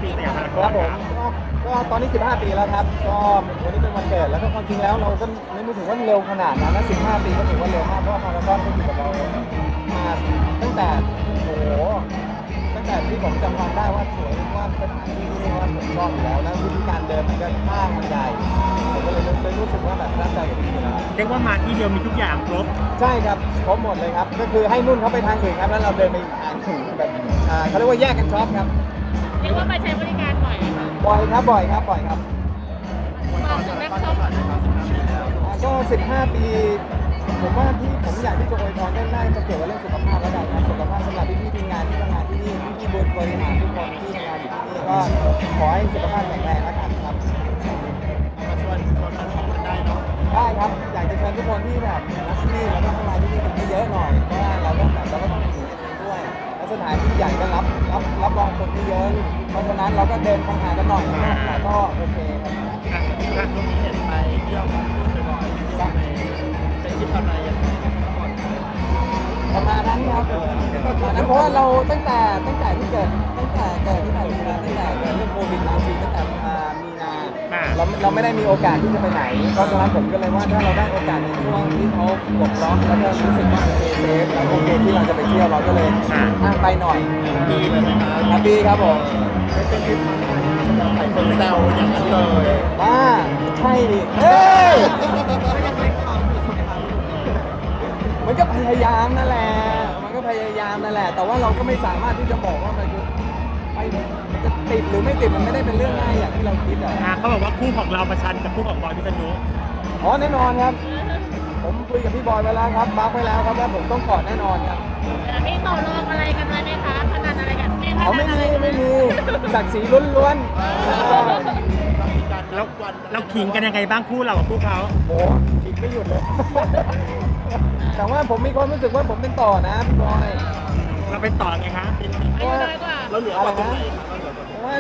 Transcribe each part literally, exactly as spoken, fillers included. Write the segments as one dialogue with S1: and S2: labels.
S1: สยามพาราก
S2: ค
S1: อ
S2: รั
S1: น
S2: บผม
S1: ครับ
S2: ก็ก็ตอนนี้สิบห้าปีแล้วครับก็วันนี้เป็นวันเกิดแล้วก็ความจริงแล้วเราก็ไม่รู้ถึงว่าเร็วขนาดนั้นนะสิบห้าปีก็ถือว่าเร็วมากเพราะว่าพารากอนก็อยู่กับเรามาตั้งแต่โอ้โหตั้งแต่ที่ผมจำความได้ว่าสวยว่าสถานที่ที่ว่าผมชอบอยู่แล้วแล้ววิธีการเดินมันก็ห้างมันใหญ่ผมก็เลยเลยรู้สึกว่าแบบประทับใจกับที่นี่แล้ว
S1: เรียกว่ามาที่เดียวมีทุกอย่างครบ
S2: ใช่ครับครบหมดเลยครับก็คือให้นุ่นเขาไปทางอื่นครับแล้วเราเดินไปอีกทางหนึ่งแบบอ่าเขาเรียกว่าแยกกันช็อปครับ
S3: เรียกว่าไปใช้บริการบ่อยไหมคะ
S2: บ่อยครับบ่อยครับบ่อยครับ
S3: มาถึงแม็กซ์ช็อป
S2: อ่าก็สิบห้าปีผมว่าที่ผมอยากที่จะอวยพรได้น่าจะเกี่ยวกับเรื่องสุขภาพแล้วกันครับสุขภาพสำหรับพี่ๆทีมงานที่ทำงานที่นี่พี่ๆบริหารทุกคนที่ทำงานอยู่ที่นี่ก็ขอให้สุขภาพแข็งแรงแล้วกันครับ
S1: มาชวนชวนมาทำกันได้เนาะ
S2: ได้ครับอยากจะเชิญทุกคนที่แบบรักที่นี่แล้วก็ทำงานที่นี่กันเยอะๆหน่อยเพราะว่าเราต้องแบบเราก็ต้องอยู่กันเองด้วยแล้วสถานที่ใหญ่ก็รับรับรับรองคนที่เยอะเพราะฉะนั้นเราก็เดินห่างๆกันหน่อยแต่ก็โอเคครับ
S1: อ่ะอ่ะช่วงนี้เห็นไปเที่ยวกับคุณบ่อยๆเที่ยวในเป็นทริปอะไรยังไงก่อน
S2: ประมาณนั้นครับประมาณนั้นเพราะว่าเราตั้งแต่ตั้งแต่ที่เกิดตั้งแต่เกิดที่ผ่านมาตั้งแต่เกิดเรื่องโควิด สิบเก้า ตั้งแต่อ่ามีนา
S1: อ่ะ
S2: เราเราไม่ได้มีโอกาสที่จะไปไหนเพราะฉะนั้นผมก็เลยว่าถ้าเราได้โอกาสในช่วงที่เขาปลดล็อกแล้วก็รู้สึกว่าโอเคเซฟแล้วโอเคที่เราจะไปเที่ยวเราก็เลยอ่ะไปหน่อย
S1: ดีเลยไหมคะ
S2: ครับดีครับผม
S1: ไม่เป็นทริปมาหลายคนแซวอย่างนั้นเลย
S2: บ้าใช่ดิเฮ้ยมันก็พยายามนั่นแหละมันก็พยายามนั่นแหละ แต่ว่าเราก็ไม่สามารถที่จะบอกว่ามันคือไปมันจะติดหรือไม่ติดมันไม่ได้เป็นเรื่องง่ายอย่างที่เราคิดอ่ะ
S1: อ่ะเขาบอกว่าคู่ของเราประชันกับคู่ของบอยพิษณุ
S2: อ๋อแน่นอนครับ ผมคุยกับพี่บอยไปแล้วครับบัฟไปแล้วครับว่าผมต้องกอดแน่นอนครับ
S3: มีต่อรองอะไรกันไหมไหมคะพนันอะไรกันมีพ
S2: เขา
S3: นั
S2: ไม่
S3: นอะไร
S2: มี
S3: กัน
S2: ไม่มีศักดิ์ศรีล้วนๆ
S1: แล้วเราขิงกันยังไงบ้างคู่เรากับคู่เขา
S2: โอ้โหคิดไม่หยุดเลย แต่ว่าผมมีความรู้สึกว่าผมเป็นต่อนะพี่บอย
S1: เราไปต่อไงคะ
S3: อายุน้อยกว่า
S1: เราเหลือกว่าตรงไหน
S2: เพราะว่า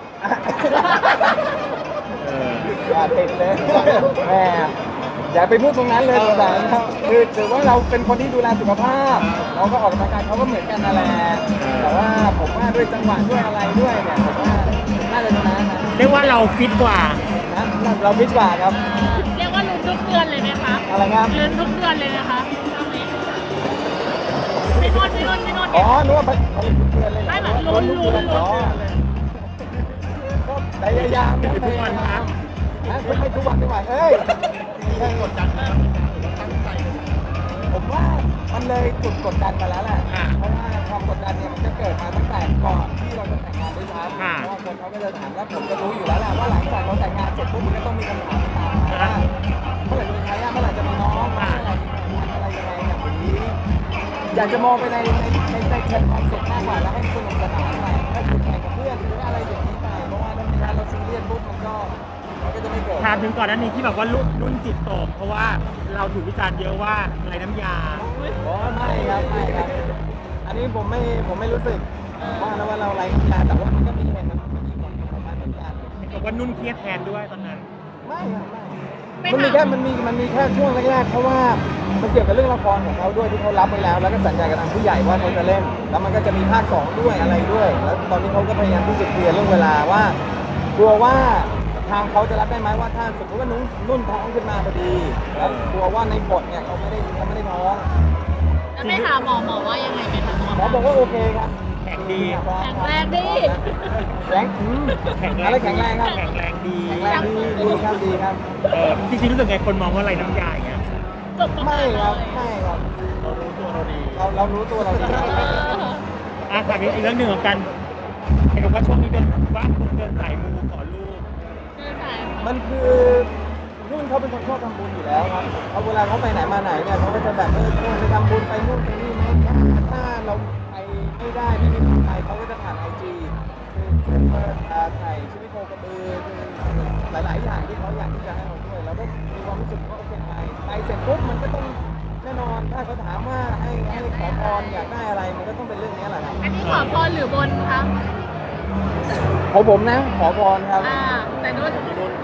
S1: เออ
S2: อย่าติดเลยแหมอย่าไปพูดตรงนั้นเลยสงสารครับคือถือว่าเราเป็นคนที่ดูแลสุขภาพ เราก็ออกกำลังกายเขาก็เหมือนกันนั่นแหละแต่ว่าผมว่าด้วยจังหวะด้วยอะไรด้วยเนี่ยผมว่าน่าจะชนะนะ
S1: เรียกว่าเราฟิตกว่า
S2: นะเราพิจกว่าครับ
S3: เรียกว่าลุ้นทุกเดือนเลยไหมคะ
S2: อะไรครับ
S3: ลุ้นทุกเดือนเลยนะคะช่วงนี้พี่นุ่นพี่นุ่นพี่นุ่น
S2: อ๋อนึกว่าผลิตเพื่อนเลยเหรอ
S3: ไม่แบบลุ้นลุ้นลุ้น
S2: อ๋อก็พยายาม
S1: ทุกวันครับ
S2: นะไม่ทุกวันไม่ไหวเอ้ย
S1: มีกดดันไหมครับตั้งใจ
S2: ผมว่ามันเลยจุดกดดันมาแล้วแหละ
S1: อ่า
S2: เพราะว่าความกดดันเนี่ยมันจะเกิดมาตั้งแต่ก่อนที่เราจะแต่งงานด้วยซ้ำ
S1: อ่า
S2: เพราะว่าคนเขาก็จะถามแล้วผมก็รู้อยู่แล้วแหละว่าหลังจากเราแต่งงานเสร็จปุ๊บมันก็ต้องมีคำถามตามมาว่าเมื่อไหร่จะมีทายาทเมื่อไหร่จะมีน้องเมื่อไหร่จะมีอะไรยังไงแบบนี้อยากจะมองไปในในในในเชิงความสุขมากกว่าแล้วให้สนุกสนานหน่อยถ้าคุณแข่งกับเพื่อนหรือว่าอะไรอย่างนี้ไปเพราะว่าถ้าไม่งั้นเราซีเรียสปุ๊บมันก็มันก็จะไม่เกิด
S1: ถามถึงก่อนหนั้นนี้ที่แบบว่ารุ่นรุ่นจิตตกเพราะว่าเราถูกวิจารณ์เยอะว่าไรน้ำยา
S2: อ๋อไม่ครับไม่ครับ อันนี้ผมไม่ผมไม่รู้สึกว่าแล้วว่าเราไร้งานแต่ว่ามันก็มีเหตุมันมีผลออกมาเหมือนกัน
S1: บอกว่านุ่นเครียดแทนด้วยตอนนั้น
S2: ไม่ครับไม่มันมีแค่มันมีมันมีแค่ช่วงแรกๆเพราะว่ามันเกี่ยวกับเรื่องละครของเขาด้วยที่เขารับไว้แล้ว แล้วก็สัญญากับทางผู้ใหญ่ว่าเขาจะเล่น แล้วมันก็จะมีภาคสองด้วยอะไรด้วย แล้วตอนนี้เขาก็พยายามที่จะเคลียร์เรื่องเวลาว่ากลัวว่าทางเขาจะรับได้ไหมว่าถ้าสมมติว่านุ่นนุ่นท้องขึ้นมาพอดีแล้วกลัวว่าในบทเนี่ยเขาไม่ได้เขาไม่ได้ท้อง
S3: แล้วไปหาหมอหมอว่ายังไงไหมคะ
S2: หมอบอกว่าโอเคครับ
S1: แข็งดี
S3: แข็งแรงดิ
S2: แข็งอืม
S1: แข็งแร
S2: อะไร
S1: ง
S2: แข็งแรงครับ
S1: แข็งแรงดี
S2: แข็งแรงดีดีครับดีครับ
S1: เออจริงๆรู้สึกไงคนมองว่าไรน้ำยาอย่างเงี้ย
S3: จบประ
S2: ไม่
S3: มาณ
S2: ครับ
S3: เลย
S2: ไม่ครับ
S1: เรารู้ตัวเราดี
S2: เราเรารู้ตัวเราดี
S1: อ่ะถามอีกเรื่องหนึ่งของกันเห็นบอกว่าช่วงนี้เดินว่าคุณเดินสายมูขอลูก
S3: เดินสาย
S2: มันคือนุ่นเขาเป็นคนชอบทำบุญอยู่แล้วครับเขาเวลาเขาไปไหนมาไหนเนี่ยเขาก็จะแบบเออชวนไปทำบุญไปนู่นไปนี่ไหมถ้าเราไปไม่ได้ไม่มีคนไปเขาก็จะผ่านไอจีคือเปิดถ่ายชีวิตโคกระบือคือหลาย ๆ อย่างที่เขาอยากที่จะให้เราด้วยเราก็มีความรู้สึกว่าโอเคไปไปเสร็จปุ๊บมันก็ต้องแน่นอนถ้าเขาถามว่าให้ให้ขอพรอยากได้อะไรมันก็ต้องเป็นเรื่องนี้แหละครับ
S3: อันนี้ขอพรหรือบนคะ
S2: ของผมนะขอพรครับ
S3: อ่า แต่นุ่น
S2: ข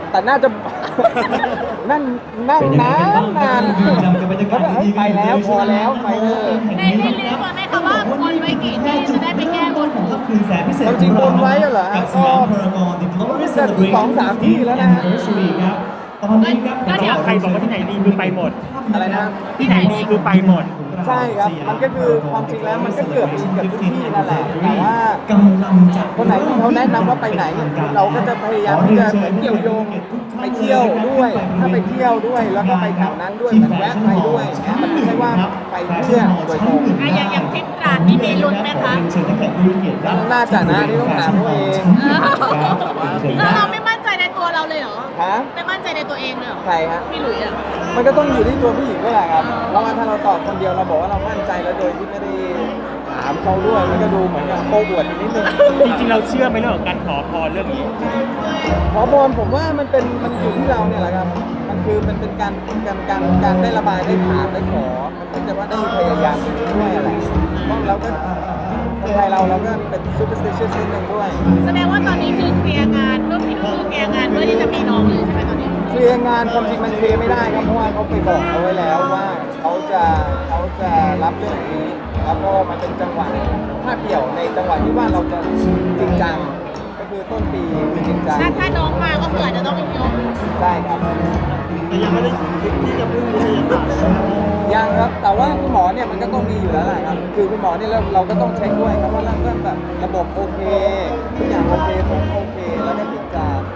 S2: แต่น่าจะ นั่นนั่งนานนานแล้วก็เอ้ยไปแล้วพอแล้วไปเถอะ
S3: ในในลิสต์มาไหมคะว่าบนไว้กี่ที่จะได้ไปแก้บน
S4: คืนแสนพิเศษ
S2: จริงๆบนไว้เหรอฮะ
S4: กับสยามพารากอนดิจิทัล
S2: ก็สองสามที่แล้วนะฮะ
S4: ครับตอนนี้ครับ
S3: ก็เดี๋ยว
S1: ใครบอกว่าที่ไหนดีคือไปหมด
S2: อะไรนะ
S1: ที่ไหนดีคือไปหมด
S2: ใช่ครับ มันก็คือความจริงแล้วมันก็เกือบมีเกือบทุกที่นั่นแหละ แต่ว่า
S4: กำลังจะ
S2: คนไหนที่เขาแนะนำว่าไปไหนเนี่ยเราก็จะพยายามที่จะเหมือนเกี่ยวโยงไปเที่ยวด้วย ถ้าไปเที่ยวด้วยแล้วก็ไปแถวนั้นด้วยเหมือนแวะไปด้วยนะมันไม่ใช่ว่าไปเพื่อโดยตรง
S3: อ่ะอย่างอย่างทริปตราดนี่มีลุ้นไหมคะ
S4: เชิญนักแข่งผู้มีเกียรติด้าน
S2: น่าจะนะนี่ต้องถามตัวเอง
S3: แล้วเราไม่มั่นใจในตัวเราเลยเหรอ
S2: ฮะ
S3: ไม่มั่นใจในตัวเองเลยเหรอ
S2: ใครฮะ
S3: พี่หลุยส์อ่ะ
S2: มันก็ต้องอยู่ที่ตัวผู้หญิงด้วยแหละครับเพราะว่าถ้าเราตอบคนเดียวเราบอกว่าเรามั่นใจแล้วโดยที่ไม่ได้ถามเขาด้วยมันก็ดูเหมือนกับโกบวดนิดนึง
S1: จริงๆเราเชื่อไหมเรื่องของการขอพรเรื่องนี้
S2: ขอพรผมว่ามันเป็นมันอยู่ที่เราเนี่ยแหละครับ มันคือมันเป็นการการการการได้ระบายได้ถามได้ขอ มันเหมือนกับว่าได้พยายามด้วยอะไรเพราะเราก็คนไทยเราเราก็เป็น superstitious นิดนึงด้วย
S3: แสดงว่าตอนนี้คือเคลียร์งานเรื่องพี่นุ่นคือเคลียร์งานเพื่อที่จะมีน้องเลยใช่ไหมตอนนี้
S2: เคลียร์งานความจริงมันเคลียร์ไม่ได้ครับเพราะว่าเขาไปบอกเอาไว้แล้วว่าเขาจะเขาจะรับเรื่องนี้แล้วก็มันเป็นจังหวะถ้าเกี่ยวในจังหวะที่ว่าเราจะจริงจังก็คือต้นปีคือจริงจัง
S3: ถ้าถ้าน้องมาก็คืออาจจะต้องยก
S2: ได้ครับ
S5: แต่ยังไม่ได้คิดที่จะพึ่งวิทยาศาสตร์เลยนะ
S2: ยังครับ แต่ว่าคุณหมอเนี่ยมันก็ต้องมีอยู่แล้วแหละครับ คือคุณหมอเนี่ยเราเราก็ต้องเช็คด้วยครับว่าเรื่องแบบระบบโอเคทุกอย่างโอเคผมโอเคแล้วก็ถึงจะ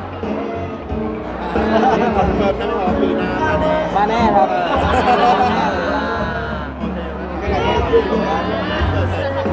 S5: คอนเฟิร์มได้ไหมครับปีหน้ามาแน่
S2: มาแน่ครับ
S5: โอเค